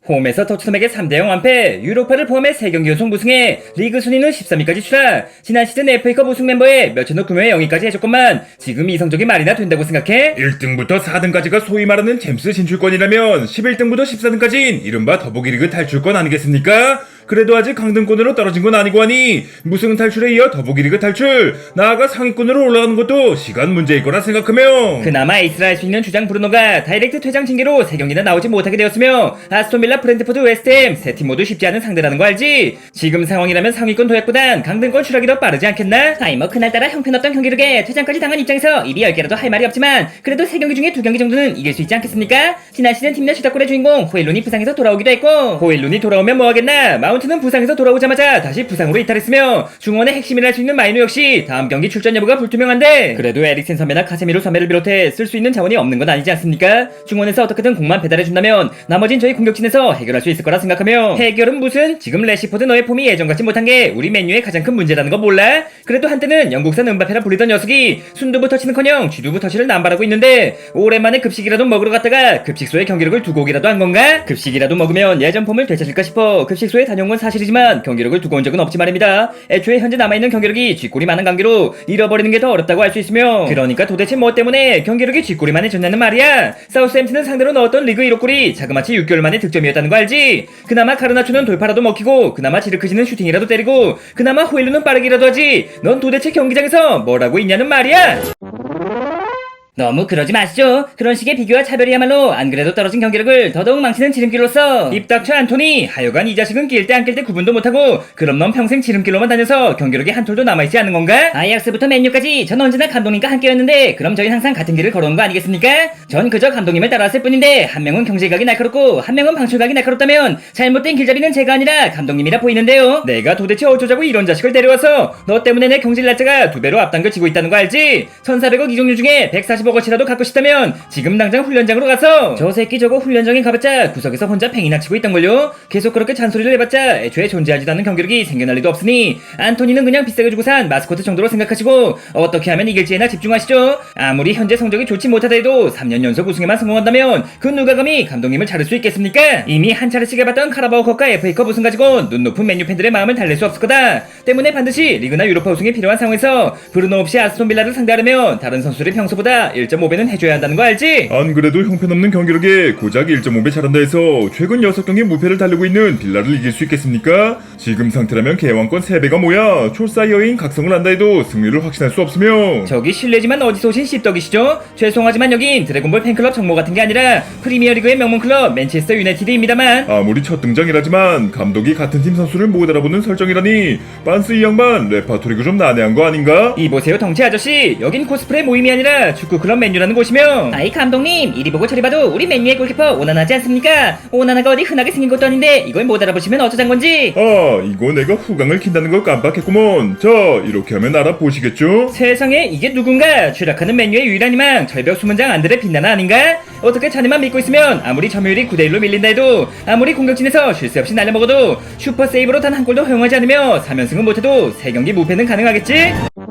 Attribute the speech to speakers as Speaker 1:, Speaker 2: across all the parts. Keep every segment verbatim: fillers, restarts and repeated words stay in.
Speaker 1: 홈에서 토트넘에게 삼 대 영 완패, 유로파를 포함해 세 경기 연속 무승에 리그 순위는 십삼 위까지 추락. 지난 시즌 에프에이컵 우승 멤버에 몇천억 규모의 영위까지 해줬건만 지금 이 성적이 말이나 된다고 생각해?
Speaker 2: 일 등부터 사 등까지가 소위 말하는 챔스 진출권이라면 십일 등부터 십사 등까지인 이른바 더보기리그 탈출권 아니겠습니까? 그래도 아직 강등권으로 떨어진 건 아니고 하니 무승 탈출에 이어 더보기리그 탈출, 나아가 상위권으로 올라가는 것도 시간 문제일 거라 생각하며
Speaker 1: 그나마 에이스라 할 수 있는 주장 브루노가 다이렉트 퇴장 징계로 세 경기나 나오지 못하게 되었으며 아스톤빌라, 브렌트포드, 웨스트햄 세 팀 모두 쉽지 않은 상대라는 거 알지? 지금 상황이라면 상위권 도약보단 강등권 추락이 더 빠르지 않겠나? 아이 뭐 그날따라 형편없던 경기력에 퇴장까지 당한 입장에서 입이 열 개라도 할 말이 없지만 그래도 세 경기 중에 두 경기 정도는 이길 수 있지 않겠습니까? 지난 시즌 팀 내 주탁골의 주인공 호일룬이 부상해서 돌아오기도 했고, 호일룬이 돌아오면 뭐하겠나? 마운트는 부상에서 돌아오자마자 다시 부상으로 이탈했으며 중원의 핵심이라 할 수 있는 마이누 역시 다음 경기 출전 여부가 불투명한데 그래도 에릭센 선배나 카세미로 선배를 비롯해 쓸 수 있는 자원이 없는 건 아니지 않습니까? 중원에서 어떻게든 공만 배달해준다면 나머진 저희 공격진에서 해결할 수 있을 거라 생각하며, 해결은 무슨? 지금 레시포드 너의 폼이 예전 같지 못한 게 우리 맨유의 가장 큰 문제라는 거 몰라? 그래도 한때는 영국산 은바페라 불리던 녀석이 순두부 터치는커녕 쥐두부 터치를 남발하고 있는데 오랜만에 급식이라도 먹으러 갔다가 급식소에 경기력을 두고 오기라도 한 건가? 급식이라도 먹으면 예전 폼을 되찾을까 싶어 급식소에 다녀온 건 사실이지만 경기력을 두고 온 적은 없지 말입니다. 애초에 현재 남아있는 경기력이 쥐꼬리 많은 관계로 잃어버리는 게 더 어렵다고 할 수 있으며, 그러니까 도대체 뭐 때문에 경기력이 쥐꼬리만 해졌냐는 말이야. 사우스햄튼은 상대로 넣었던 리그 일 호 골이 자그마치 육 개월 만의 득점이었다는 거 알지? 그나마 카르나초는 돌파라도 먹히고 그나마 지르크지는 슈팅이라도 때리고 그나마 호일루는 빠르기라도 하지. 넌 도대체 경기장에서 뭘 하고 있냐는 말이야. 너무 그러지 마시죠. 그런 식의 비교와 차별이야말로 안 그래도 떨어진 경기력을 더더욱 망치는 지름길로서 입 닥쳐 안토니. 하여간 이 자식은 낄 때 안 낄 때 구분도 못하고 그럼 넌 평생 지름길로만 다녀서 경기력이 한 톨도 남아있지 않는 건가? 아이약스부터 맨유까지 전 언제나 감독님과 함께였는데 그럼 저희 항상 같은 길을 걸어온 거 아니겠습니까? 전 그저 감독님을 따라왔을 뿐인데 한 명은 경제각이 날카롭고 한 명은 방출각이 날카롭다면 잘못된 길잡이는 제가 아니라 감독님이라 보이는데요. 내가 도대체 어쩌자고 이런 자식을 데려와서 너 때문에 내 경질 날짜가 두 배로 앞당겨지고 있다는 거 알지? 천사백억 이종류 중에 백사십억어치라도 갖고 싶다면 지금 당장 훈련장으로 가서, 저 새끼 저거 훈련장에 가봤자 구석에서 혼자 팽이나 치고 있던걸요. 계속 그렇게 잔소리를 해봤자 애초에 존재하지도 않는 경기력이 생겨날 리도 없으니 안토니는 그냥 비싸게 주고 산 마스코트 정도로 생각하시고 어떻게 하면 이길지에나 집중하시죠. 아무리 현재 성적이 좋지 못하더라도 삼 년 연속 우승에만 성공한다면 그 누가 감히 감독님을 자를 수 있겠습니까? 이미 한 차례씩 해봤던 카라바오컵과 에프에이컵 우승 가지고 눈 높은 맨유 팬들의 마음을 달랠 수 없을 거다. 때문에 반드시 리그나 유로파 우승이 필요한 상황에서 브루노 없이 아스톤빌라를 상대하려면 다른 선수들이 평소보다 일 점 오 배는 해줘야 한다는 거 알지?
Speaker 2: 안 그래도 형편없는 경기력에 고작 일 점 오 배 잘한다 해서 최근 여섯 경기 무패를 달리고 있는 빌라를 이길 수 있겠습니까? 지금 상태라면 개왕권 세 배가 뭐야. 촐사이어인 각성을 한다 해도 승리를 확신할 수 없으며,
Speaker 1: 저기 실례지만 어디서 오신 씹덕이시죠? 죄송하지만 여긴 드래곤볼 팬클럽 정모 같은 게 아니라 프리미어리그의 명문 클럽 맨체스터 유나이티드입니다만.
Speaker 2: 아무리 첫 등장이라지만 감독이 같은 팀 선수를 못 알아보는 설정이라니 빤스 이 양반 레파토리가 좀 난해한 거 아닌가?
Speaker 1: 이보세요 덩치 아저씨, 여긴 코스프레 모임이 아니라 축구클럽 맨유라는 곳이며. 아이 감독님, 이리 보고 저리 봐도 우리 맨유의 골키퍼 오나나지 않습니까? 오나나가 어디 흔하게 생긴 것도 아닌데 이걸 못 알아보시면 어쩌잔 건지.
Speaker 2: 아, 이거 내가 후광을 킨다는 걸 깜빡했구먼. 자, 이렇게 하면 알아보시겠죠?
Speaker 1: 세상에 이게 누군가? 추락하는 맨유의 유일한 희망 절벽 수문장 안드레 빛나나 아닌가? 어떻게 자네만 믿고 있으면 아무리 점유율이 구 대 일로 밀린다 해도, 아무리 공격진에서 쉴 새 없이 날려먹어도 슈퍼 세이브로 단 한 골도 허용하지 않으며 삼 연승은 못해도 세 경기 무패는 가능하겠지?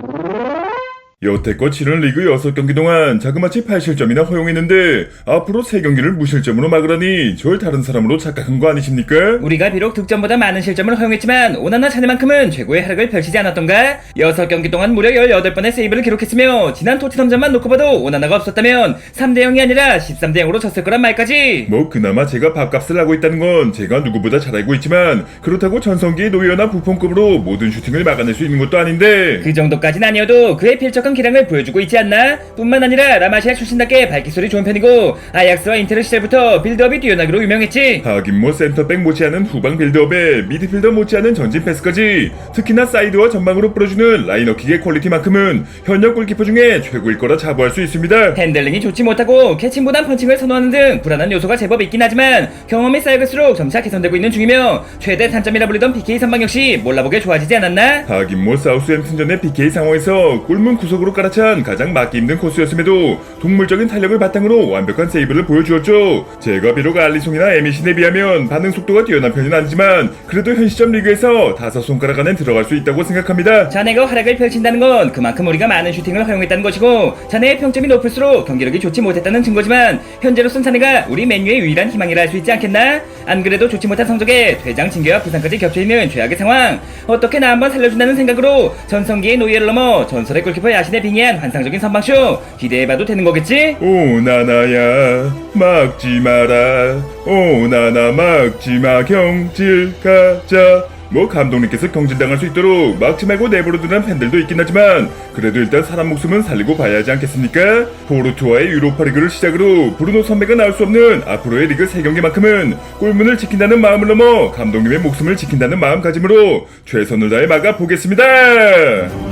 Speaker 2: 여태껏 치른 리그 여섯 경기 동안 자그마치 팔 실점이나 허용했는데 앞으로 세 경기를 무실점으로 막으라니 절 다른 사람으로 착각한 거 아니십니까?
Speaker 1: 우리가 비록 득점보다 많은 실점을 허용했지만 오나나 자네만큼은 최고의 활약을 펼치지 않았던가? 여섯 경기 동안 무려 열여덟 번의 세이브를 기록했으며 지난 토트넘전만 놓고 봐도 오나나가 없었다면 삼 대 영이 아니라 십삼 대 영으로 졌을 거란 말까지.
Speaker 2: 뭐 그나마 제가 밥값을 하고 있다는 건 제가 누구보다 잘 알고 있지만 그렇다고 전성기의 노예나 부폰급으로 모든 슈팅을 막아낼 수 있는 것도 아닌데,
Speaker 1: 그 정도까진 아니어도 그의 필적한 기량을 보여주고 있지 않나? 뿐만 아니라 라마시아 출신답게 발기술이 좋은 편이고 아약스와 인테르 시절부터 빌드업이 뛰어나기로 유명했지.
Speaker 2: 하긴 뭐 센터백 못지않은 후방 빌드업에 미드필더 못지않은 전진 패스까지, 특히나 사이드와 전방으로 뿌려주는 라이너킥의 퀄리티만큼은 현역 골키퍼 중에 최고일 거라 자부할 수 있습니다.
Speaker 1: 핸들링이 좋지 못하고 캐칭보단 펀칭을 선호하는 등 불안한 요소가 제법 있긴 하지만 경험이 쌓여갈수록 점차 개선되고 있는 중이며 최대 단점이라 불리던 피케이 선방 역시 몰라보게 좋아지지 않았나?
Speaker 2: 하긴 뭐 사우스햄튼전의 피케이 상황에서 골문 구석으로 전적으로 깔아찬 가장 막기 힘든 코스였음에도 동물적인 탄력을 바탕으로 완벽한 세이브를 보여주었죠. 제가 비록 알리송이나 에미신에 비하면 반응 속도가 뛰어난 편은 아니지만 그래도 현 시점 리그에서 다섯 손가락 안에 들어갈 수 있다고 생각합니다.
Speaker 1: 자네가 활약을 펼친다는 건 그만큼 우리가 많은 슈팅을 허용했다는 것이고 자네의 평점이 높을수록 경기력이 좋지 못했다는 증거지만 현재로선 자네가 우리 맨유의 유일한 희망이라 할 수 있지 않겠나? 안 그래도 좋지 못한 성적에 퇴장 징계와 부상까지 겹쳐있는 최악의 상황, 어떻게 나 한번 살려준다는 생각으로 전성기의 노예를 넘어 전설의 골키퍼 야신에 빙의한 환상적인 선방쇼 기대해봐도 되는 거겠지?
Speaker 2: 오 나나야 막지 마라 오 나나 막지마 경질 가자. 뭐 감독님께서 경질당할 수 있도록 막지 말고 내버려두는 팬들도 있긴 하지만 그래도 일단 사람 목숨은 살리고 봐야 하지 않겠습니까? 포르투와의 유로파리그를 시작으로 브루노 선배가 나올 수 없는 앞으로의 리그 세 경기만큼은 골문을 지킨다는 마음을 넘어 감독님의 목숨을 지킨다는 마음가짐으로 최선을 다해 막아보겠습니다.